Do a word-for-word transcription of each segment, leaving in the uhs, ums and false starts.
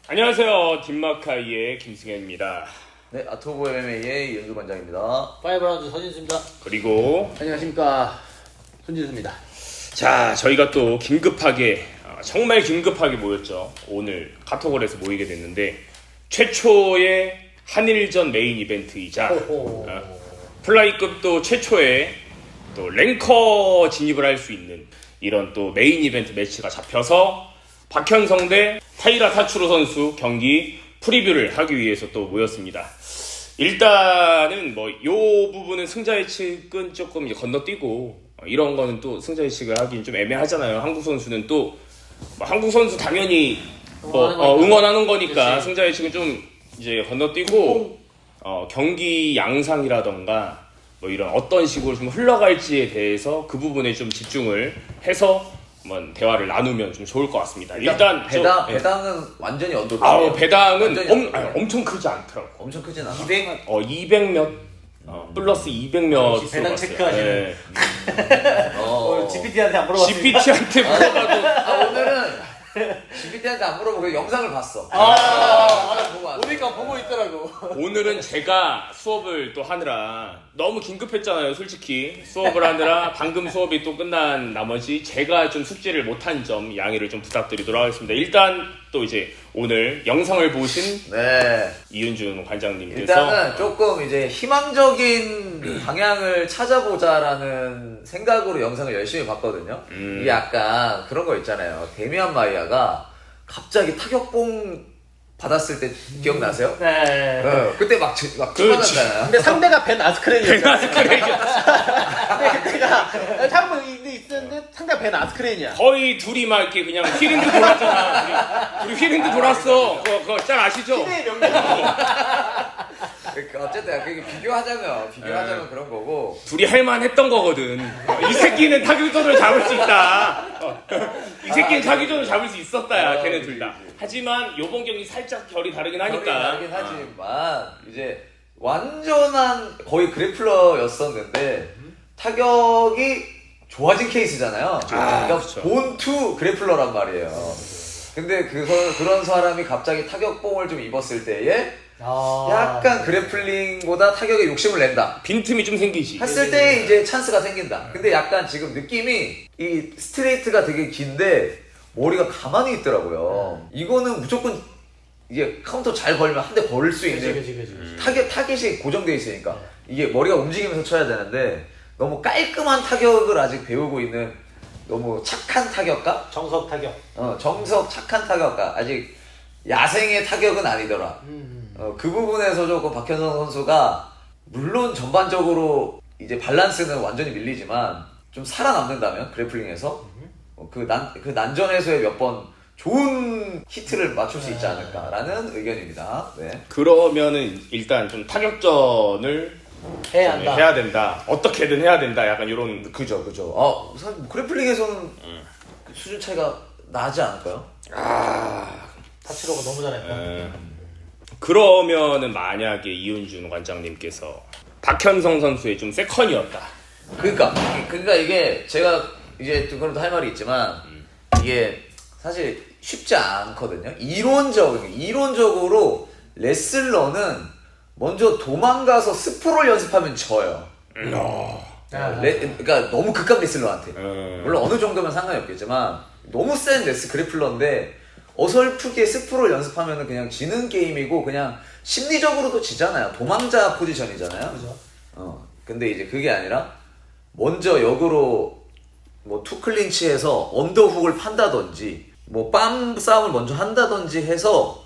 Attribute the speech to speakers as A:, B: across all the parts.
A: 안녕하세요. 딥마카이의 김승현입니다.
B: 네, 아토보 엠엠에이의 이현주 관장입니다.
C: 파이브라운드 서진수입니다.
A: 그리고
C: 안녕하십니까, 손진수입니다.
A: 자, 저희가 또 긴급하게 어, 정말 긴급하게 모였죠. 오늘 카톡홀에서 모이게 됐는데 최초의 한일전 메인 이벤트이자 어, 플라이급도 최초의 또 랭커 진입을 할 수 있는 이런 또 메인 이벤트 매치가 잡혀서 박현성 대 타이라 타츠로 선수 경기 프리뷰를 하기 위해서 또 모였습니다. 일단은 뭐 요 부분은 승자 예측은 조금 이제 건너뛰고 이런 거는 또 승자 예측을 하긴 좀 애매하잖아요. 한국 선수는 또뭐 한국 선수 당연히 뭐
C: 응원하는,
A: 어, 응원하는 거니까
C: 그치.
A: 승자 예측은 좀 이제 건너뛰고 어, 경기 양상이라던가 뭐 이런 어떤 식으로 좀 흘러갈지에 대해서 그 부분에 좀 집중을 해서 한번 대화를 나누면 좀 좋을 것 같습니다. 일단
B: 배당,
A: 저, 예.
B: 배당은 완전히 언더독.
A: 아, 배당은
B: 완전히
A: 엄,
B: 언더독.
A: 아니, 엄청 크지 않더라고.
B: 엄청 크진 않아.
C: 이백
A: 어, 이백 몇, 어, 플러스 이백 몇.
C: 역시 배당 체크하시는.
B: 어.
C: 지피티한테 안 물어봤어요.
A: 지피티한테 물어봐도
B: 아, 오늘은 지피티한테 안 물어보고 영상을 봤어.
C: 아,
B: 영상을 보고 왔어.
C: 보니까 보고 있더라고.
A: 오늘은 제가 수업을 또 하느라 너무 긴급했잖아요. 솔직히 수업을 하느라 방금 수업이 또 끝난 나머지 제가 좀 숙제를 못한 점 양해를 좀 부탁드리도록 하겠습니다. 일단 또 이제 오늘 영상을 보신
B: 네.
A: 이윤준 관장님께서
B: 일단은 조금 이제 희망적인 방향을 찾아보자라는 생각으로 영상을 열심히 봤거든요.
A: 음.
B: 이게 약간 그런 거 있잖아요. 데미안 마이아가 갑자기 타격봉 받았을 때 기억나세요?
C: 네.
B: 어, 그때 막, 지- 막
A: 그렇지.
B: 추가났잖아요.
C: 근데 상대가 벤 아스크렌이었죠.
A: 그래
C: 근데 그때가 한번 있었는데 상대가 벤 아스크렌이야.
A: 거의 둘이 막 이렇게 그냥 휘링드 돌았잖아. 둘이, 둘이 휘링드 돌았어. 그거, 그거 잘 아시죠?
C: 시대의 명령.
B: 그러니까 어쨌든 그게 비교하자면 비교하자면
A: 네.
B: 그런 거고.
A: 둘이 할만했던 거거든. 어, 이 새끼는 타격전을 잡을 수 있다. 어, 이 새끼는 타격전을 잡을 수 있었다야.
B: 아,
A: 걔네
B: 그치,
A: 둘 다.
B: 그치.
A: 하지만 요번 경기 살짝 결이 다르긴
B: 결이
A: 하니까.
B: 다르긴 하지만 이제 완전한 거의 그래플러였었는데 타격이 좋아진 케이스잖아요. 그러니까
A: 그쵸.
B: 본투 그래플러란 말이에요. 근데 그 그런 사람이 갑자기 타격봉을 좀 입었을 때에
C: 아.
B: 약간 그래플링보다 타격에 욕심을 낸다
A: 빈틈이 좀 생기지.
B: 했을 때 이제 찬스가 생긴다. 근데 약간 지금 느낌이 이 스트레이트가 되게 긴데 머리가 가만히 있더라고요. 이거는 무조건 이게 카운터 잘 걸면 한 대 걸 수
C: 그치,
B: 있는
C: 그치, 그치, 그치.
B: 타겟, 타겟이 고정되어 있으니까 이게 머리가 움직이면서 쳐야 되는데 너무 깔끔한 타격을 아직 배우고 있는 너무 착한 타격가?
C: 정석 타격.
B: 어, 정석 착한 타격가. 아직 야생의 타격은 아니더라.
C: 음.
B: 어, 그 부분에서 조금 박현성 선수가 물론 전반적으로 이제 밸런스는 완전히 밀리지만 좀 살아남는다면 그래플링에서 어, 그, 난, 그 난전에서의 몇 번 좋은 히트를 맞출 수 있지 않을까라는 의견입니다. 네.
A: 그러면은 일단 좀 타격전을
C: 해야
A: 좀
C: 한다.
A: 해야 된다. 어떻게든 해야 된다. 약간 이런.
B: 그죠, 그죠. 어, 사실 뭐 그래플링에서는 수준 차이가 나지 않을까요?
A: 아.
C: 타치로가 너무 잘했다.
A: 에, 그러면은 만약에 이윤준 관장님께서 박현성 선수의 좀 세컨이었다.
B: 그러니까, 그러니까 이게 제가 이제 또 그런 할 말이 있지만 이게 사실 쉽지 않거든요. 이론적, 이론적으로 레슬러는 먼저 도망가서 스프롤 연습하면 져요.
C: 아.
B: 레, 그러니까 너무 극강 레슬러한테.
A: 음.
B: 물론 어느 정도면 상관이 없겠지만 너무 센 레스 그래플러인데 어설프게 스프롤 연습하면 그냥 지는 게임이고 그냥 심리적으로도 지잖아요. 도망자 포지션이잖아요.
C: 그죠.
B: 어, 근데 이제 그게 아니라 먼저 역으로 뭐 투클린치해서 언더훅을 판다든지 뭐 빰 싸움을 먼저 한다든지 해서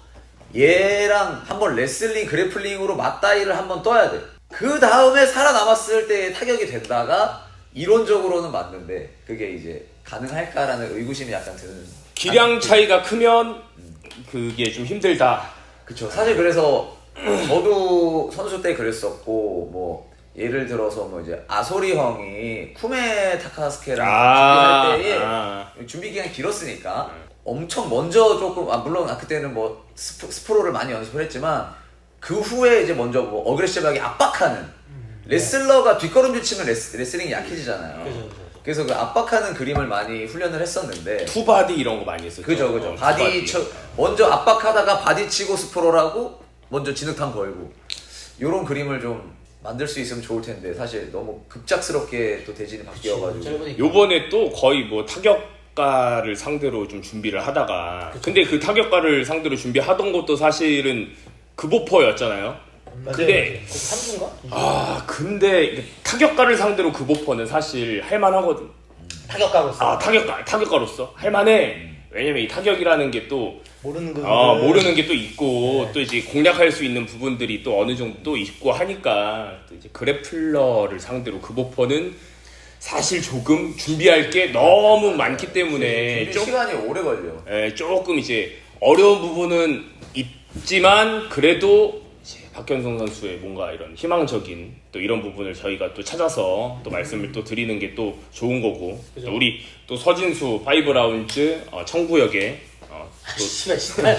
B: 얘랑 한번 레슬링 그래플링으로 맞다이를 한번 떠야 돼. 그 다음에 살아남았을 때 타격이 된다가 이론적으로는 맞는데 그게 이제 가능할까라는 의구심이 약간 드는.
A: 기량 차이가 크면 그게 좀 힘들다.
B: 그쵸. 사실 그래서 저도 선수 때 그랬었고 뭐 예를 들어서 뭐 이제 아소리 형이 쿠메 타카스케랑
A: 아,
B: 준비할 때에
A: 아.
B: 준비 기간이 길었으니까 엄청 먼저 조금 아 물론 아, 그때는 뭐 스프, 스프로를 많이 연습을 했지만 그 후에 이제 먼저 뭐 어그레시브하게 압박하는 레슬러가 뒷걸음질 치면 레스, 레슬링이 약해지잖아요.
C: 그죠, 그죠.
B: 그래서 그 압박하는 그림을 많이 훈련을 했었는데
A: 투바디 이런 거 많이 했었죠.
B: 그죠 그죠
A: 어,
B: 바디
A: 투바디.
B: 쳐 먼저 압박하다가 바디 치고 스프롤하고 먼저 진흙탕 걸고 요런 그림을 좀 만들 수 있으면 좋을 텐데 사실 너무 급작스럽게 또 대진이 바뀌어가지고
C: 짧으니까.
A: 요번에 또 거의 뭐 타격가를 상대로 좀 준비를 하다가 근데 그 타격가를 상대로 준비하던 것도 사실은 급오퍼였잖아요. 근데
C: 삼수인가?
A: 아 근데 이게 타격가를 상대로 급오퍼는 사실 할만하거든.
C: 타격가로서
A: 아 타격가 타격가로서 할만해. 왜냐면 이 타격이라는 게 또
C: 모르는 거
A: 어, 모르는 게 또 있고 또 이제 공략할 수 있는 부분들이 또 어느 정도 또 있고 하니까 또 이제 그래플러를 상대로 급오퍼는 사실 조금 준비할 게 너무 많기 때문에
B: 준비
A: 조,
B: 시간이 오래 걸려.
A: 에, 조금 이제 어려운 부분은 있지만 그래도 이제 박현성 선수의 뭔가 이런 희망적인 또 이런 부분을 저희가 또 찾아서 또 말씀을 또 드리는 게 또 좋은 거고 또 우리 또 서진수 파이브 라운즈 어, 청구역에 어, 또
C: 씨발 씨발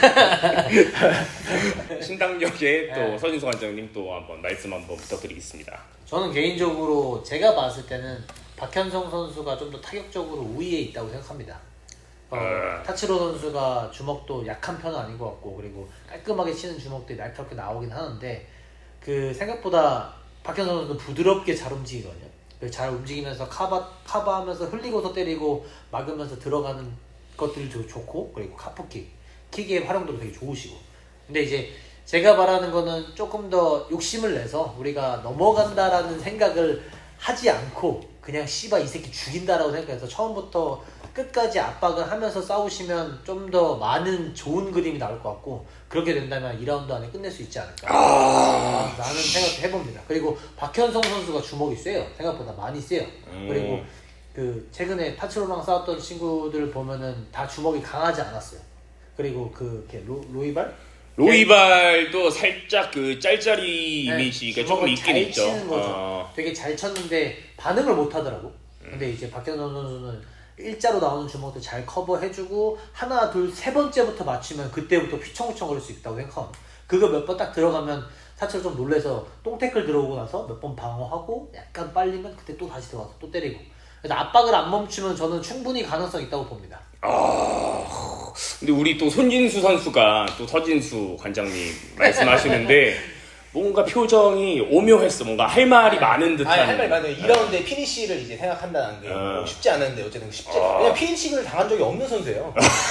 A: 신당역에 또
C: 네.
A: 서진수 관장님 또 한번 말씀 한번 부탁드리겠습니다.
D: 저는 개인적으로 제가 봤을 때는 박현성 선수가 좀 더 타격적으로 우위에 있다고 생각합니다. 어,
A: 아.
D: 타치로 선수가 주먹도 약한 편은 아닌 것 같고 그리고 깔끔하게 치는 주먹들이 날카롭게 나오긴 하는데 그 생각보다 박현성 선수는 부드럽게 잘 움직이거든요. 그래서 잘 움직이면서 카바, 카바하면서 흘리고서 때리고 막으면서 들어가는 것들도 좋고 그리고 카프킥, 킥의 활용도도 되게 좋으시고 근데 이제 제가 말하는 거는 조금 더 욕심을 내서 우리가 넘어간다라는 생각을 하지 않고 그냥 씨바 이 새끼 죽인다라고 생각해서 처음부터 끝까지 압박을 하면서 싸우시면 좀 더 많은 좋은 그림이 나올 것 같고 그렇게 된다면 이 라운드 안에 끝낼 수 있지 않을까
A: 아...
D: 라는 생각도 해봅니다. 그리고 박현성 선수가 주먹이 세요. 생각보다 많이 세요.
A: 음.
D: 그리고 그 최근에 타츠로랑 싸웠던 친구들 보면은 다 주먹이 강하지 않았어요. 그리고 그 이렇게 로, 로이발?
A: 로이발도 살짝 그 짤짤이 이미지가 조금
D: 주먹을
A: 있긴
D: 잘
A: 있죠.
D: 치는 거죠.
A: 어.
D: 되게 잘 쳤는데 반응을 못 하더라고. 근데 이제 박현성 선수는 일자로 나오는 주먹도 잘 커버해주고 하나 둘 세 번째부터 맞추면 그때부터 휘청휘청 거릴 수 있다고 생각합니다. 그거 몇 번 딱 들어가면 사실 좀 놀래서 똥태클 들어오고 나서 몇 번 방어하고 약간 빨리면 그때 또 다시 들어가서 또 때리고 그래서 압박을 안 멈추면 저는 충분히 가능성 있다고 봅니다.
A: 아, 근데 우리 또 손진수 선수가 또 서진수 관장님 말씀하시는데 뭔가 표정이 오묘했어. 뭔가 할 말이 많은 듯한.
C: 아니 할 말 많아요. 이 라운드에 피니쉬를 이제 생각한다는 게
A: 어.
C: 뭐 쉽지 않은데 어쨌든 쉽지
A: 어.
C: 왜냐면 피니쉬를 당한 적이 없는 선수예요.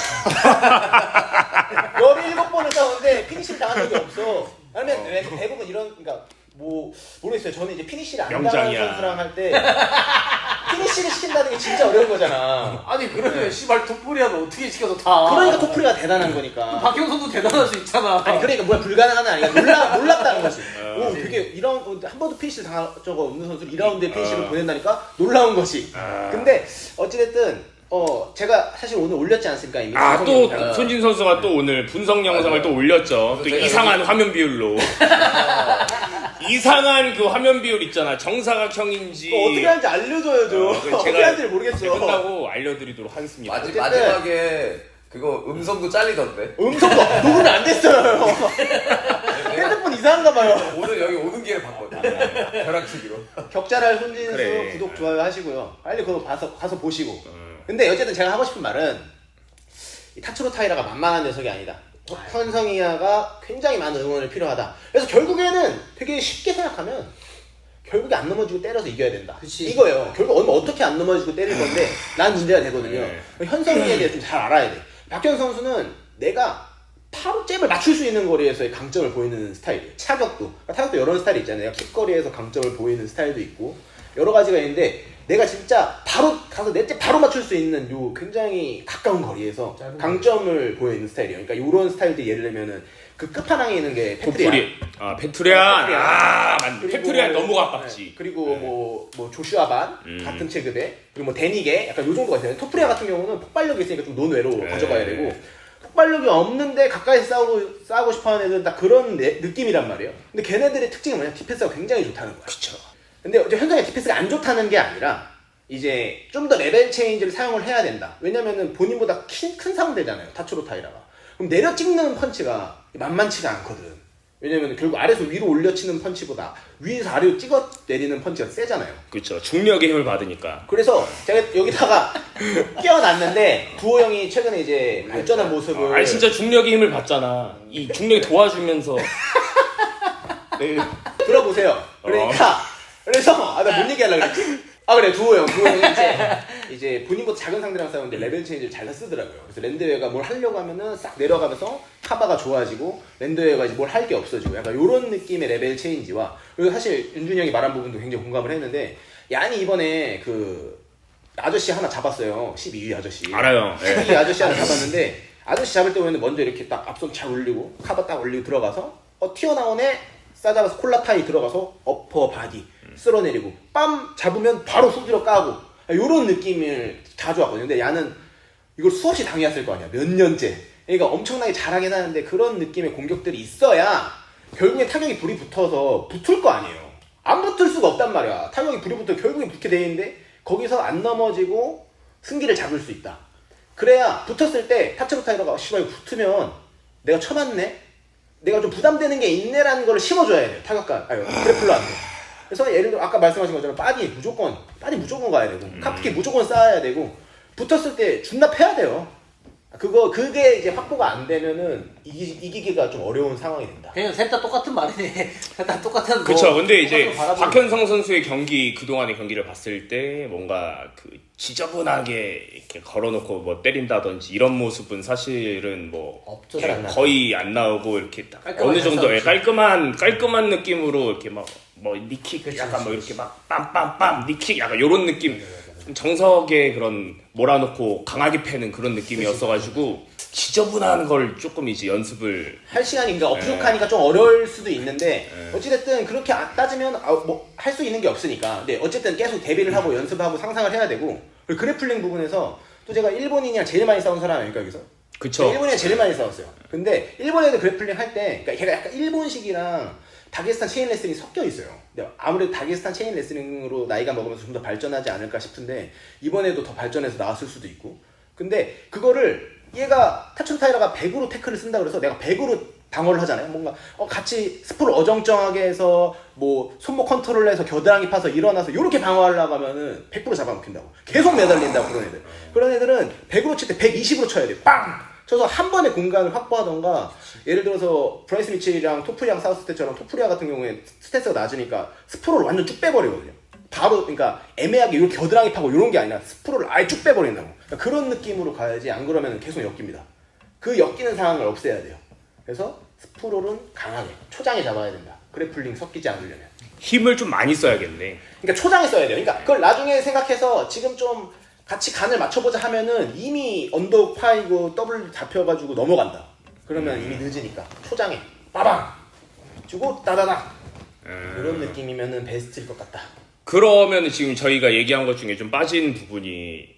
C: 열일곱 번을 싸우는데 피니쉬를 당한 적이 없어. 아니면 왜 대부분 이런 그러니까 뭐 모르겠어요. 저는 이제 피니쉬를 안 당한
A: 명장이야.
C: 선수랑 할 때 피니쉬를 시킨다는 게 진짜 어려운 거잖아.
D: 아니 그러면 씨발 토프리아는 어떻게 시켜서 다
C: 그러니까 토프리가 대단한 거니까.
D: 박현성도 대단할 수 있잖아.
C: 아니 그러니까 뭐야 불가능한 건 아니야. 놀라 놀랍다는 거지. 오 되게 이런 한 번도 피니시를 당한 적 없는 선수를 이 라운드에 피니시를
A: 어.
C: 보낸다니까 놀라운 거지.
A: 아.
C: 근데 어찌됐든 어 제가 사실 오늘 올렸지 않습니까 이미.
A: 아, 또
C: 방송에.
A: 손진 선수가 또 오늘 분석 영상을
B: 맞아요.
A: 또 올렸죠. 또
B: 제가
A: 이상한
B: 여기-
A: 화면 비율로. 이상한 그 화면 비율 있잖아. 정사각형인지.
C: 그거 어떻게 하는지 알려줘야죠.
A: 어, 그거
C: 어떻게
A: 제가
C: 하는지 모르겠어.
A: 끝나고 알려드리도록 하겠습니다.
B: 마지,
C: 어쨌든-
B: 마지막에 그거 음성도 잘리던데.
C: 음성도 녹음이 안 됐어요. 핸드폰 이상한가 봐요.
B: 오늘 여기 오는 길에 봤거든. 벼락치기로.
C: 격자랄 손진수
A: 그래.
C: 구독 좋아요 하시고요. 빨리 그거 가서 가서 보시고.
A: 음.
C: 근데 어쨌든 제가 하고 싶은 말은 이 타츠로 타이라가 만만한 녀석이 아니다. 현성이야가 굉장히 많은 응원을 필요하다. 그래서 결국에는 되게 쉽게 생각하면 결국에 안 넘어지고 때려서 이겨야 된다.
D: 그치.
C: 이거예요. 결국 얼마 어떻게 안 넘어지고 때릴 건데 난 문제가 되거든요.
A: 네.
C: 현성이에 대해서 좀 잘 알아야 돼. 박현 선수는 내가 바로 잽을 맞출 수 있는 거리에서의 강점을 보이는 스타일이에요. 차격도. 그러니까 타격도 여러 스타일이 있잖아요. 킥거리에서 강점을 보이는 스타일도 있고 여러 가지가 있는데 내가 진짜 바로 가서 내 잽 바로 맞출 수 있는 요 굉장히 가까운 거리에서
D: 짧은
C: 강점을 보이는 스타일이에요. 그러니까 요런 스타일들 예를 들면은 그 끝판왕에 있는 게 페트리아.
A: 도프리. 아, 페트리안.
C: 페트리안.
A: 아, 맞네.
C: 그리고
A: 페트리안 너무
C: 네.
A: 가깝지.
C: 그리고
A: 네.
C: 뭐, 뭐 조슈아 반
A: 음.
C: 같은 체급에 그리고 뭐 데니게 약간 요 정도가 있어요. 토프리아 같은 경우는 폭발력이 있으니까 좀 논외로
A: 네.
C: 가져가야 되고 폭발력이 없는데 가까이서 싸우고 싸우고 싶어하는 애들은 딱 그런 내- 느낌이란 말이에요. 근데 걔네들의 특징은 뭐냐? 디펜스가 굉장히 좋다는 거야.
A: 그쵸.
C: 근데 어제 현장의 디펜스가 안 좋다는 게 아니라 이제 좀 더 레벨 체인지를 사용을 해야 된다. 왜냐면은 본인보다 큰, 큰 상대잖아요. 타츠로 타이라가. 그럼 내려 찍는 펀치가 만만치가 않거든. 왜냐면 결국 아래에서 위로 올려치는 펀치보다 위에서 아래로 찍어 내리는 펀치가 세잖아요.
A: 그렇죠. 중력의 힘을 받으니까.
C: 그래서 제가 여기다가 끼워놨는데 두호 형이 최근에 이제 발전한 모습을
A: 아니 진짜 중력의 힘을 받잖아. 이 중력이 도와주면서. 네.
C: 들어보세요. 그러니까 그래서 아 나 뭔 얘기하려고 그랬지? 아 그래 두호 형, 두호 형이 이제 이제 본인보다 작은 상대랑 싸우는데 레벨 체인지를 잘 쓰더라고요. 그래서 랜드웨어가 뭘 하려고 하면은 싹 내려가면서 카바가 좋아지고 랜드웨어가 이제 뭘 할 게 없어지고 약간 이런 느낌의 레벨 체인지와 그리고 사실 윤준이 형이 말한 부분도 굉장히 공감을 했는데 얀이 이번에 그 아저씨 하나 잡았어요. 십이 위 아저씨.
A: 알아요. 예.
C: 십이 위 아저씨 하나 잡았는데 아저씨 잡을 때는 먼저 이렇게 딱 앞손 잘 올리고 카바 딱 올리고 들어가서 어 튀어나오네 싸잡아서 콜라타이 들어가서 어퍼 바디 쓸어내리고 빰 잡으면 바로 후드로 까고 요런 느낌을 가져왔거든요. 근데 야는 이걸 수없이 당해왔을 거 아니야. 몇 년째. 그러니까 엄청나게 잘하긴 하는데 그런 느낌의 공격들이 있어야 결국에 타격이 불이 붙어서 붙을 거 아니에요. 안 붙을 수가 없단 말이야. 타격이 불이 붙어 결국에 붙게 돼 있는데 거기서 안 넘어지고 승기를 잡을 수 있다. 그래야 붙었을 때 타츠로 타이러가 씨발 이거 붙으면 내가 쳐맞네? 내가 좀 부담되는 게 있네라는 걸 심어줘야 돼요. 타격가, 아니 그래플러한테. 그래서 예를 들어 아까 말씀하신 것처럼 바디 무조건 바디 무조건 가야 되고
A: 음.
C: 카프키 무조건 쌓아야 되고 붙었을 때 존나 패야 돼요. 그거 그게 이제 확보가 안 되면은 이기, 이기기가 좀 어려운 상황이 된다.
D: 그냥 셋 다 똑같은 말이네. 셋 다 똑같은.
A: 그렇죠.
D: 뭐,
A: 근데 이제
D: 똑같은 거 바라보는
A: 박현성 선수의 경기 그동안의 경기를 봤을 때 뭔가 그 지저분하게 이렇게 걸어놓고 뭐 때린다든지 이런 모습은 사실은 뭐
D: 없죠.
C: 잘안 나죠.
A: 거의 안 나오고 이렇게 딱
D: 깔끔하게
A: 어느 정도
D: 잘 싸우죠.
A: 깔끔한 깔끔한 느낌으로 이렇게 막 뭐 니킥
D: 그치,
A: 약간 뭐
D: 그치,
A: 이렇게 막 빰빰빰 니킥 약간 요런 느낌 좀 정석의 그런 몰아놓고 강하게 패는 그런 느낌이었어가지고 지저분한 걸 조금 이제 연습을
C: 할 시간이 그러니까
A: 네.
C: 부족하니까 좀 어려울 수도 있는데 어찌됐든 그렇게 아- 따지면 아, 뭐 할 수 있는 게 없으니까 근데 어쨌든 계속 대비를 하고 연습하고 상상을 해야 되고 그리고 그래플링 부분에서 또 제가 일본인이랑 제일 많이 싸운 사람 아닙니까 여기서?
A: 그쵸.
C: 제가 일본이랑 제일 많이 싸웠어요. 근데 일본 애들 그래플링 할 때 그러니까 걔가 약간 일본식이랑 다게스탄 체인 레슬링이 섞여 있어요. 근데 아무래도 다게스탄 체인 레슬링으로 나이가 먹으면서 좀 더 발전하지 않을까 싶은데 이번에도 더 발전해서 나왔을 수도 있고 근데 그거를 얘가 타춘 타이러가 백으로 태클을 쓴다 그래서 내가 백으로 방어를 하잖아요. 뭔가 어, 같이 스포를 어정쩡하게 해서 뭐 손목 컨트롤해서 겨드랑이 파서 일어나서 이렇게 방어하려고 하면은 백 퍼센트 잡아먹힌다고. 계속 매달린다고 그런 애들. 그런 애들은 백으로 칠 때 백이십으로 쳐야 돼. 빵! 쳐서 한 번에 공간을 확보하던가 예를 들어서 브라이스 미첼이랑 토프리랑 싸웠을 때처럼 토프리아 같은 경우에 스탠스가 낮으니까 스프로를 완전 쭉 빼버리거든요. 바로 그러니까 애매하게 이렇게 겨드랑이 파고 이런 게 아니라 스프로를 아예 쭉 빼버린다고. 그러니까 그런 느낌으로 가야지 안 그러면 계속 엮입니다. 그 엮이는 상황을 없애야 돼요. 그래서 스프롤은 강하게 초장에 잡아야 된다. 그래플링 섞이지 않으려면.
A: 힘을 좀 많이 써야겠네.
C: 그러니까 초장에 써야 돼요. 그러니까 그걸 나중에 생각해서 지금 좀 같이 간을 맞춰보자 하면은 이미 언더 파이고 더블 잡혀가지고 넘어간다. 그러면 이미 늦으니까 초장에 빠방 주고 따다닥 이런 느낌이면은 베스트일 것 같다.
A: 그러면 지금 저희가 얘기한 것 중에 좀 빠진 부분이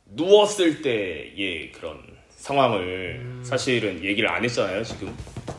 A: 누웠을 때의 그런 상황을
C: 음.
A: 사실은 얘기를 안 했잖아요 지금.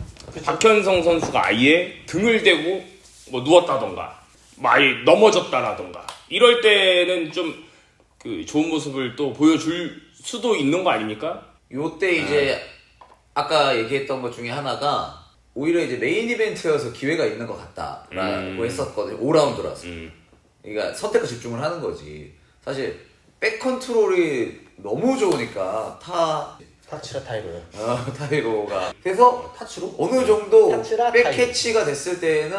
A: 박현성 선수가 아예 등을 대고 뭐 누웠다던가 뭐 아예 넘어졌다라던가 이럴 때는 좀 그 좋은 모습을 또 보여줄 수도 있는 거 아닙니까?
B: 요때 이제 아까 얘기했던 것 중에 하나가 오히려 이제 메인 이벤트여서 기회가 있는 것 같다라고
A: 음.
B: 했었거든요. 오 라운드라서.
A: 음.
B: 그러니까 선택과 집중을 하는 거지. 사실 백 컨트롤이 너무 좋으니까 타
C: 타치라 타이로요.
B: 어, 타이로가 그래서
C: 타치로?
B: 어느 정도
C: 타치라
B: 백
C: 타이로.
B: 캐치가 됐을 때는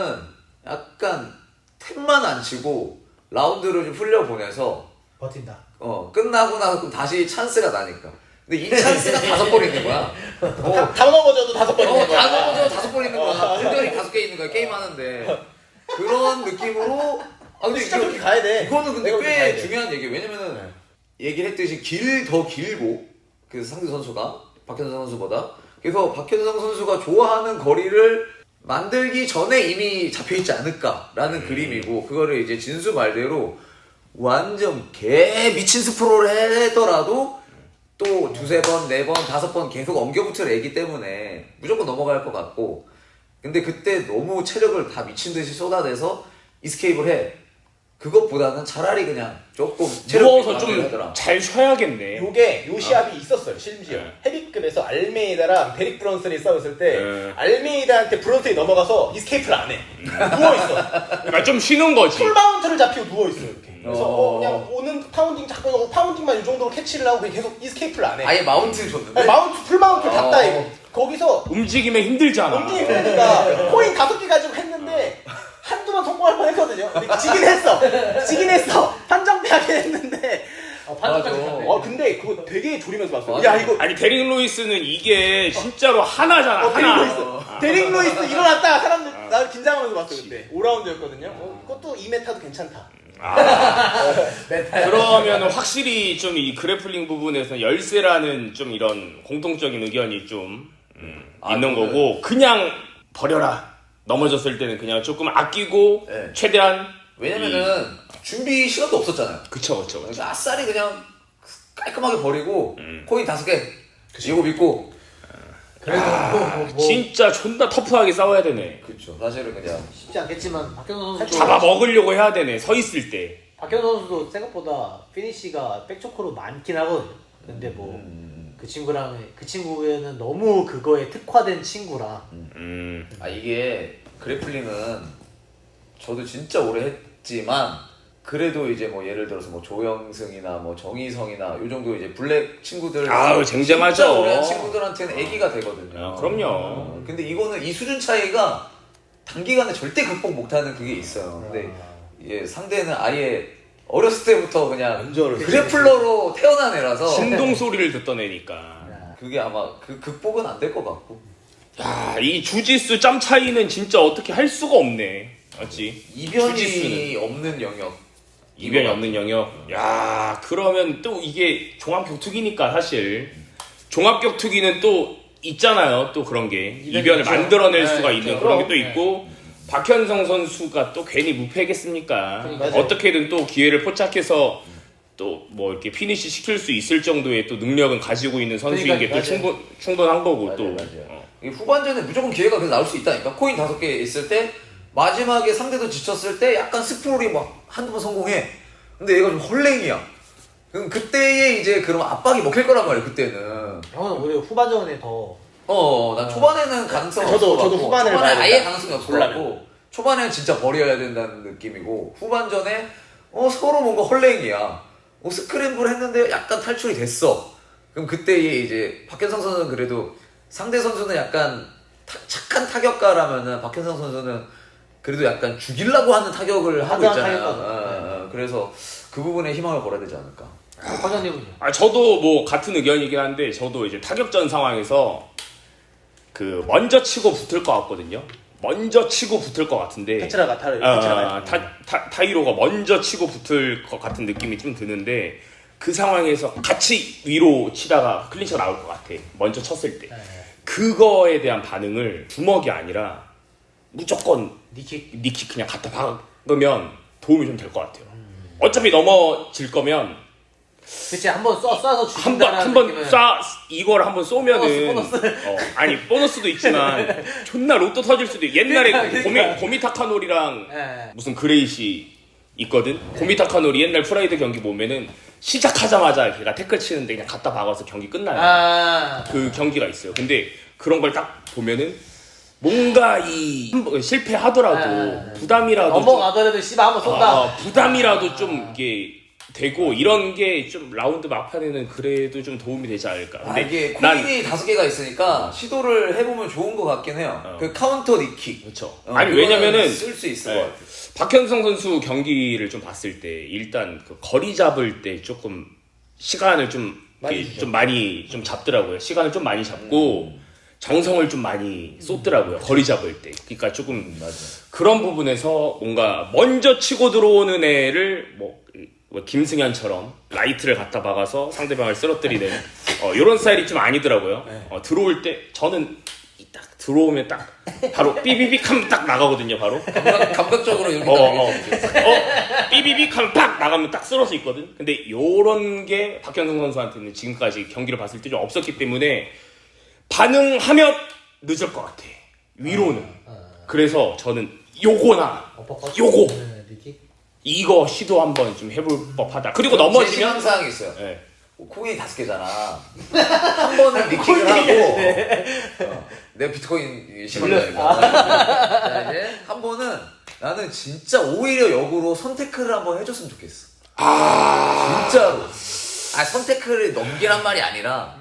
B: 약간 탭만 안 치고 라운드를 좀 흘려보내서
D: 버틴다.
B: 어 끝나고 나서 그럼 다시 찬스가 나니까. 근데 이 찬스가 다섯 번 있는 거야. 어,
C: 다, 다 넘어져도 다섯 번
B: 어,
C: 있는 거야.
B: 다 넘어져 다섯 번 있는 거야. 분들이 다섯 개 있는 거야. 게임 하는데 그런 느낌으로. 아 근데
C: 진짜
B: 이거-
C: 그렇게 가야 돼.
B: 이거는 근데
C: 내가 그렇게 가야
B: 꽤
C: 돼.
B: 중요한 얘기예요. 왜냐면은
C: 네.
B: 얘기를 했듯이 길 더 길고 그 상대 선수가 박현성 선수보다 그래서 박현성 선수가 좋아하는 거리를 만들기 전에 이미 잡혀 있지 않을까라는
A: 음.
B: 그림이고 그거를 이제 진수 말대로 완전 개 미친 스프로를 하더라도 또 두세 번, 네 번, 다섯 번 계속 엉겨붙을 애기 때문에 무조건 넘어갈 것 같고 근데 그때 너무 체력을 다 미친 듯이 쏟아내서 이스케이프를 해. 그것보다는 차라리 그냥 조금
A: 누워서
B: 체력이
A: 좀
B: 하더라.
A: 잘 쉬어야겠네.
C: 요게 요 시합이 있었어요. 심지어
A: 네.
C: 헤비급에서 알메이다랑 데릭 브런슨이 싸웠을 때
A: 네.
C: 알메이다한테 브런슨이 넘어가서 이스케이프를 안 해. 누워 있어.
A: 그러니까 좀 쉬는 거지.
C: 풀마운트를 잡히고 누워 있어요. 이렇게. 그래서
B: 어.
C: 어, 그냥 오는 파운딩 잡고 파운딩만 이 정도로 캐치를 하고 그냥 계속 이스케이프를 안 해.
B: 아예 마운트를 줬는데.
C: 아니, 마운트 풀마운트를
B: 어.
C: 잡다 이거. 거기서
A: 움직임에 힘들잖아.
C: 엄청 그러니까 코인 다섯 개 가지고 했는데 한두 번 성공할 뻔했거든요. 근데 지긴 했어. 지긴 했어. 판정패하긴 했는데.
D: 어, 판정까지
B: 맞아.
D: 갔네.
C: 어 근데 그거 되게 졸이면서 봤어요.
B: 맞아.
C: 야 이거
A: 아니 데릭 루이스는 이게 진짜로 하나잖아.
C: 어, 데릭
A: 하나.
C: 루이스.
A: 아.
C: 데릭 루이스 일어났다가 사람들 나 긴장하면서 봤어 그때. 오 라운드였거든요. 어, 그것도 이 메타도 괜찮다.
A: 그러면 확실히 좀 이 그래플링 부분에서 열세라는 좀 이런 공통적인 의견이 좀 음,
B: 아,
A: 있는
B: 그거는-
A: 거고 그냥 버려라. 넘어졌을 때는 그냥 조금 아끼고
B: 네.
A: 최대한
B: 왜냐면은 준비 시간도 없었잖아요.
A: 그쵸 그쵸 그쵸.
B: 그러니까 아싸리 그냥 깔끔하게 버리고
A: 음.
B: 코인 다섯 개 이거 믿고.
D: 그래도 뭐, 뭐, 뭐
A: 진짜 존나 터프하게 싸워야 되네.
B: 그렇죠. 사실은 그냥
D: 쉽지 않겠지만 박현선 선수
A: 잡아 먹으려고 해야 되네. 서 있을 때.
D: 박현선 선수도 생각보다 피니시가 백초코로 많긴 하거든요. 근데 뭐 그
B: 음,
D: 친구랑 그 친구는 너무 그거에 특화된 친구라
A: 음.
B: 아 이게 그래플링은 저도 진짜 오래 했지만 그래도 이제 뭐 예를 들어서 뭐 조영승이나 뭐 정희성이나 요 정도 이제 블랙 친구들
A: 아우, 쟁쟁하죠.
B: 진짜 오래 한 친구들한테는 애기가 되거든요.
A: 아, 그럼요.
B: 어, 근데 이거는 이 수준 차이가 단기간에 절대 극복 못하는 그게 있어요. 근데 예, 상대는 아예 어렸을 때부터 그냥
C: 완전
B: 그래플러로 태어난 애라서
A: 신동 소리를 듣던 애니까.
B: 그게 아마 그 극복은 안 될 것 같고.
A: 야, 이 주짓수 짬 차이는 진짜 어떻게 할 수가 없네. 맞지?
B: 이변이
A: 주짓수는.
B: 없는 영역.
A: 이변이 없는 영역. 야, 그러면 또 이게 종합격투기니까 사실 종합격투기는 또 있잖아요. 또 그런 게 이변을
D: 있죠.
A: 만들어낼
D: 네,
A: 수가
D: 있죠.
A: 있는 그런 게 또
D: 그럼,
A: 있고 박현성 선수가 또 괜히 무패겠습니까?
D: 그러니까요.
A: 어떻게든 또 기회를 포착해서 또 뭐 이렇게 피니시 시킬 수 있을 정도의 또 능력은 가지고 있는 선수인 게 또
D: 그러니까요.
A: 충분 충분한 거고
B: 맞아요,
A: 또.
B: 맞아요.
A: 어.
B: 이게 후반전에 무조건 기회가 계속 나올 수 있다니까. 코인 다섯 개 있을 때 마지막에 상대도 지쳤을 때 약간 스프롤이 막 한두 번 성공해. 근데 얘가 좀 헐랭이야. 그럼 그때에 이제 그럼 압박이 먹힐 거란 말이야 그때는.
D: 형은 오히려 후반전에 더
B: 어, 난 초반에는 가능성이
C: 저도-
B: 없을 것
C: 저도
B: 같고,
C: 후반을
B: 초반에
C: 봐야
B: 아예
C: 된다.
B: 가능성이 없을 것
C: 몰라면.
B: 같고 초반에는 진짜 버려야 된다는 느낌이고 후반전에 어 서로 뭔가 헐랭이야. 어, 스크램블 했는데 약간 탈출이 됐어. 그럼 그때에 이제 박현성 선수는 그래도 상대 선수는 약간 타- 착한 타격가라면은 박현성 선수는 그래도 약간 죽이려고 하는 타격을 하고
D: 하드한
B: 있잖아요.
D: 타격가죠.
B: 어, 어, 그래서 그 부분에 희망을 걸어야 되지 않을까.
D: 과장님은요?
A: 아 저도 뭐 같은 의견이긴 한데 저도 이제 타격전 상황에서 그 먼저 치고 붙을 것 같거든요. 먼저 치고 붙을 것 같은데
C: 테츠라가 타를
A: 아,
C: 테츠라가
A: 타, 타, 타이로가 먼저 치고 붙을 것 같은 느낌이 좀 드는데 그 상황에서 같이 위로 치다가 클린치가 나올 것 같아. 먼저 쳤을 때
D: 네.
A: 그거에 대한 반응을 주먹이 아니라 무조건
D: 니킥
A: 니킥 그냥 갖다 박으면 도움이 좀 될 것 같아요. 어차피 넘어질 거면
D: 그치 한번 쏴 쏴서
A: 한번
D: 죽인다는
A: 한번
D: 느낌은
A: 쏴 이걸 한번 쏘면은
D: 보너스, 보너스.
A: 어, 아니 보너스도 있지만 존나 로또 터질 수도 있. 옛날에
D: 그러니까,
A: 고미
D: 그러니까.
A: 고미타카노리랑
D: 예.
A: 무슨 그레이시 있거든. 고미타카노리 옛날 프라이드 경기 보면은 시작하자마자 걔가 태클 치는데 그냥 갖다 박아서 경기 끝나요.
D: 아
A: 그 경기가 있어요. 근데 그런 걸 딱 보면은 뭔가 이 한번 실패하더라도
D: 아,
A: 부담이라도 좀-
D: 넘어가더라도 씨발 한번 쏜다.
A: 아, 부담이라도 좀 이게 되고 이런 게 좀 라운드 막판에는 그래도 좀 도움이 되지 않을까.
B: 아,
A: 근데
B: 이게
A: 난
B: 코인이 다섯 개가 있으니까 시도를 해보면 좋은 것 같긴 해요.
A: 어.
B: 그 카운터 니킥.
A: 그렇죠.
B: 어,
A: 아니
B: 그거는
A: 왜냐면은
B: 쓸 수 있을
A: 네.
B: 것 같아.
A: 박현성 선수 경기를 좀 봤을 때 일단 그 거리 잡을 때 조금 시간을 좀
C: 많이
A: 이렇게
C: 주죠.
A: 좀 많이 좀 잡더라고요. 시간을 좀 많이 잡고 정성을 좀 많이 쏟더라고요. 거리 잡을 때. 그러니까 조금
B: 음, 맞아.
A: 그런 부분에서 뭔가 먼저 치고 들어오는 애를 뭐, 뭐 김승현처럼 라이트를 갖다 박아서 상대방을 쓰러뜨리는 어, 이런 스타일이 좀 아니더라고요. 어, 들어올 때 저는 이딱 들어오면 딱 바로 삐비빅 하면 딱 나가거든요. 바로.
B: 감각, 감각적으로 이렇게
A: 어,
B: 딱
A: 어,
B: 얘기해.
A: 어, 삐비빅 하면 딱 나가면 딱 쓰러져 있거든. 근데 요런 게 박현성 선수한테는 지금까지 경기를 봤을 때 좀 없었기 때문에 반응하면 늦을 것 같아. 위로는.
D: 아,
A: 그래서 저는 요거나
D: 어퍼컷?
A: 요거
D: 네, 니킥.
A: 이거 시도 한번 좀 해볼 법하다. 그리고
B: 제
A: 넘어지면
B: 희망사항이 있어요.
A: 네.
B: 코인이 다섯 개잖아. 한 번은 리킹을 하고 어, 내가 비트코인 십원이니까 자 이제 한 번은 나는 진짜 오히려 역으로 선테크를 한번 해줬으면 좋겠어.
A: 아
B: 진짜로. 아 선테크를 넘기란 말이 아니라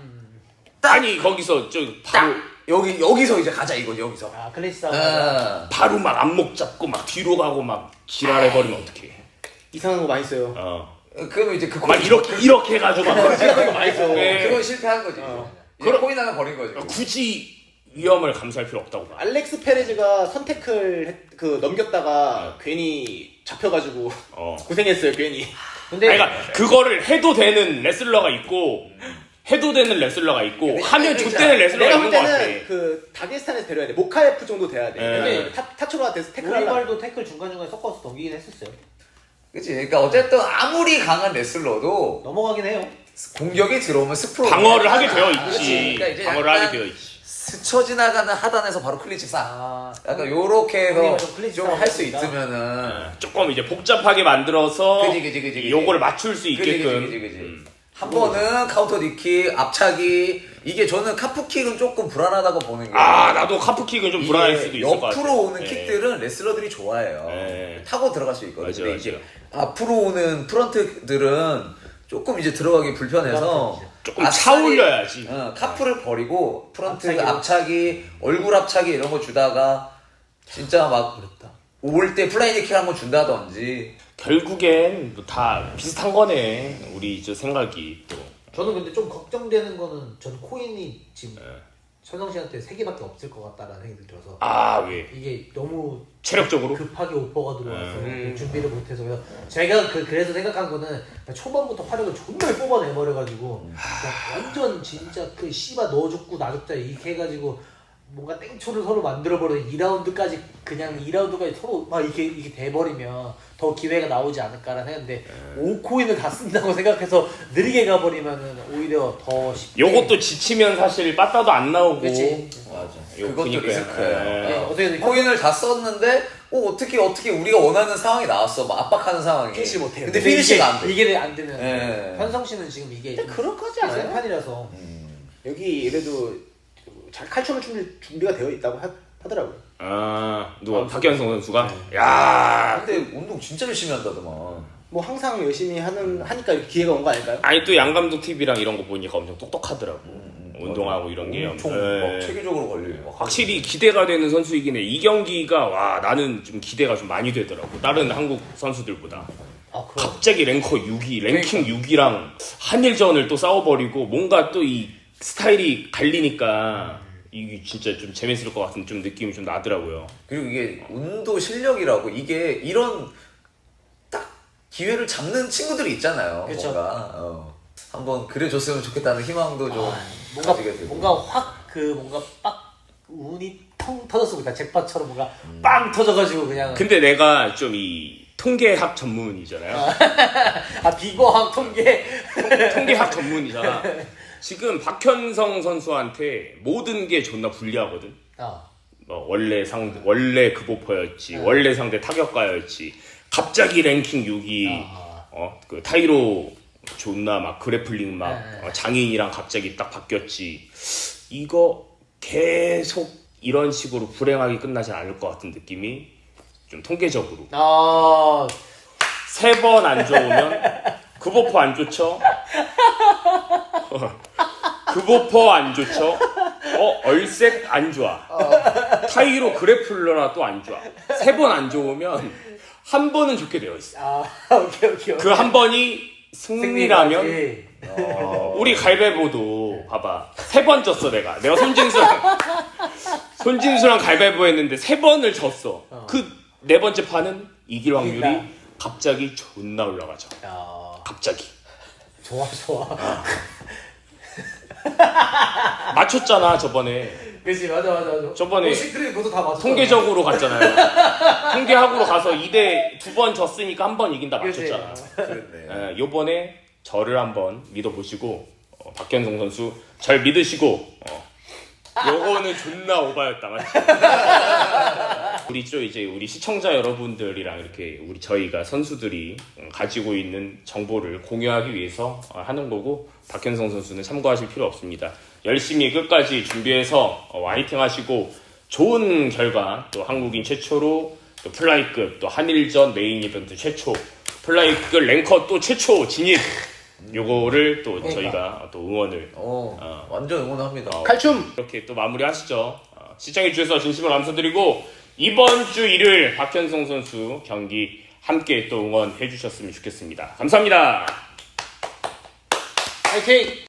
B: 딱,
A: 아니 거기서 저 바로
B: 딱 여기 여기서 이제 가자 이거지 여기서.
D: 아 클래식 싸움.
B: 아,
A: 바로 막 안목 잡고 막 뒤로 가고 막 지랄해버리면 어떡해.
C: 이상한 거 많이 써요.
A: 어.
B: 그러면 이제 그
A: 막 이렇게 이렇게 해가지고 막
C: 많이 써.
A: 네.
B: 그건 실패한 거지.
C: 어.
B: 이제
A: 그럼-
B: 코인 하나 버린 거지.
A: 굳이 위험을 감수할 필요 없다고 봐.
C: 알렉스 페레즈가 선택을 했- 그 넘겼다가 괜히 잡혀가지고
A: 어.
C: 고생했어요 괜히.
D: 근데
A: 아니, 그러니까 그거를 해도 되는 레슬러가 있고 해도 되는 레슬러가 있고 하면 좋대는 레슬러가
C: 내가 볼
A: 있는 것 같아.
C: 때는 그 다게스탄에서 데려야 돼. 모카에프 정도 돼야 돼.
A: 네.
C: 근데 타, 타초로한테서 태클 하려.
D: 우리발도 태클 중간중간에 섞어서 넘기긴 했었어요.
B: 그치. 그러니까 어쨌든 아무리 강한 레슬러도
D: 넘어가긴 해요.
B: 공격이 들어오면 스프로
A: 방어를 하게 되어 있지.
B: 그치. 그러니까 이제
A: 방어를
B: 약간
A: 하게 되어 있지.
B: 스쳐 지나가는 하단에서 바로 클린치 싹.
D: 아,
B: 약간 요렇게
D: 우리가
B: 해서
D: 좀 클린치
B: 좀 할 수
D: 싸움이니까.
B: 있으면은
A: 조금 이제 복잡하게 만들어서
B: 그지, 그지, 그지, 그지.
A: 요거를 맞출 수
B: 그지,
A: 있게끔.
B: 그지, 그지, 그지.
A: 음.
B: 한 번은 카운터 니킥, 앞차기 이게 저는 카프킥은 조금 불안하다고 보는 게
A: 아 나도 카프킥은 좀 불안할 수도
B: 이게
A: 있을 것 같아.
B: 옆으로 오는
A: 네.
B: 킥들은 레슬러들이 좋아해요.
A: 네.
B: 타고 들어갈 수 있거든요.
A: 맞아,
B: 근데
A: 맞아.
B: 이제 앞으로 오는 프런트들은 조금 이제 들어가기 불편해서
A: 조금
B: 아싸리-
A: 차 올려야지.
B: 어, 카프를 버리고 프런트
D: 앞차기로.
B: 앞차기, 얼굴 앞차기 이런 거 주다가 진짜 막
D: 어렵다.
B: 올 때 플라이 니킥 한번 준다든지.
A: 결국엔 뭐다 비슷한 거네. 우리 저 생각이 또.
D: 저는 근데 좀 걱정되는 거는 전 코인이 지금
A: 네.
D: 천성 씨한테 세 개밖에 없을 것 같다라는 생각이 들어서
A: 아 왜?
D: 이게 너무
A: 체력적으로?
D: 급하게 오퍼가 들어와서
C: 음.
D: 준비를 못해서 그래서 제가 그, 그래서 생각한 거는 초반부터 화력을 존나 뽑아내버려가지고 그냥 완전 진짜 그 씨바 너 죽고 나 죽자 이렇게 해가지고 뭔가 땡초를 서로 만들어버려 이 라운드까지 그냥 이 라운드까지 서로 막 이렇게 이렇게 돼버리면 더 기회가 나오지 않을까라는 생각인데 오 코인을 다 쓴다고 생각해서 느리게 가버리면은 오히려 더 쉽게
A: 요것도 지치면 사실 빠따도 안 나오고.
D: 그치.
B: 맞아.
A: 요
B: 그것도
A: 보니까.
B: 리스크예요.
A: 네.
D: 네, 어떻게든
B: 코인을 다 썼는데 어, 어떻게 어떻게 우리가 원하는 상황이 나왔어. 막 압박하는 상황이.
C: 피니시 못해요.
B: 근데
D: 근데
B: 피니시가
D: 이게,
B: 안 돼.
D: 이게 안 되면
B: 네.
D: 현성 씨는 지금 이게
C: 근데 그럴까지 않아요?
D: 센 판이라서
C: 여기 이래도 잘 칼춤을 출 준비가 되어 있다고 하, 하더라고요.
A: 아 누가
C: 아,
A: 박현성 선수가?
C: 네.
A: 야.
B: 근데 운동 진짜 열심히 한다더만.
C: 뭐 항상 열심히 하는 하니까 이렇게 기회가 온 거 아닐까요?
A: 아니 또 양감독 티비랑 이런 거 보니까 엄청 똑똑하더라고. 운동하고 이런 게
B: 엄청
A: 네.
B: 막 체계적으로 걸리고 막
A: 확실히 기대가 되는 선수이긴 해. 이 경기가 와 나는 좀 기대가 좀 많이 되더라고. 다른 한국 선수들보다.
D: 아 그럼
A: 갑자기 랭커 육 위, 랭킹 육 위랑 한일전을 또 싸워버리고 뭔가 또 이 스타일이 갈리니까 이게 진짜 좀 재밌을 것 같은 좀 느낌이 좀 나더라고요.
B: 그리고 이게 운도 실력이라고 이게 이런 딱 기회를 잡는 친구들이 있잖아요.
D: 그쵸.
B: 뭔가 어. 한번 그래줬으면 좋겠다는 희망도 좀
D: 아, 뭔가
B: 가지게 되고.
D: 뭔가 확 그 뭔가 빡 운이 통 터졌으니까 잭팟처럼 뭔가 빵 터져가지고 그냥
A: 근데 내가 좀 이 통계학 전문이잖아요.
D: 아 비거학 통계
A: 통계학 전문이잖아. 지금 박현성 선수한테 모든 게 존나 불리하거든.
D: 아
A: 뭐 원래 상대 원래 급오퍼였지, 원래 상대 타격가였지. 갑자기 랭킹 육 위,
D: 아.
A: 어 그 타이로 존나 막 그래플링 막
D: 네.
A: 어, 장인이랑 갑자기 딱 바뀌었지. 이거 계속 이런 식으로 불행하게 끝나진 않을 것 같은 느낌이 좀 통계적으로.
D: 아
A: 세 번 안 좋으면 급오퍼 안 좋죠? 급오퍼 안 좋죠? 어 얼색 안 좋아. 타이로 그래플러나 또 안 좋아. 세 번 안 좋으면 한 번은 좋게 되어 있어.
D: 아, 오케이 오케이
A: 그 한 번이 승리라면
D: 승리라지.
B: 어.
A: 우리 갈배보도 봐봐 세 번 졌어 내가 내가 손진수랑 손진수랑 갈배보 했는데 세 번을 졌어. 그 네 번째 판은 이길 확률이
D: 이긴다.
A: 갑자기 존나 올라가죠.
D: 야
A: 갑자기
D: 좋아 좋아
A: 맞췄잖아 저번에.
D: 그치 맞아 맞아 맞아
A: 저번에
D: 시크릿 그것도 다 맞았어
A: 통계적으로 갔잖아요. 통계학으로 가서 이 대 두 번 졌으니까 한 번 이긴다
D: 그치.
A: 맞췄잖아.
B: 그랬네.
A: 예, 요번에 저를 한번 믿어보시고 어, 박현성 선수 절 믿으시고 어, 요거는 존나 오바였다 맞지? 우리 또 이제 우리 시청자 여러분들이랑 이렇게 우리 저희가 선수들이 가지고 있는 정보를 공유하기 위해서 하는 거고 박현성 선수는 참고하실 필요 없습니다. 열심히 끝까지 준비해서 화이팅 하시고 좋은 결과 또 한국인 최초로 또 플라이급 또 한일전 메인 이벤트 최초 플라이급 랭커 또 최초 진입 요거를 또
D: 그러니까.
A: 저희가 또 응원을
B: 어,
A: 어.
B: 완전 응원합니다.
A: 어,
C: 칼춤!
A: 이렇게 또 마무리하시죠. 어, 시청해주셔서 진심으로 감사드리고 이번 주 일요일 박현성 선수 경기 함께 또 응원해주셨으면 좋겠습니다. 감사합니다.
C: 파이팅!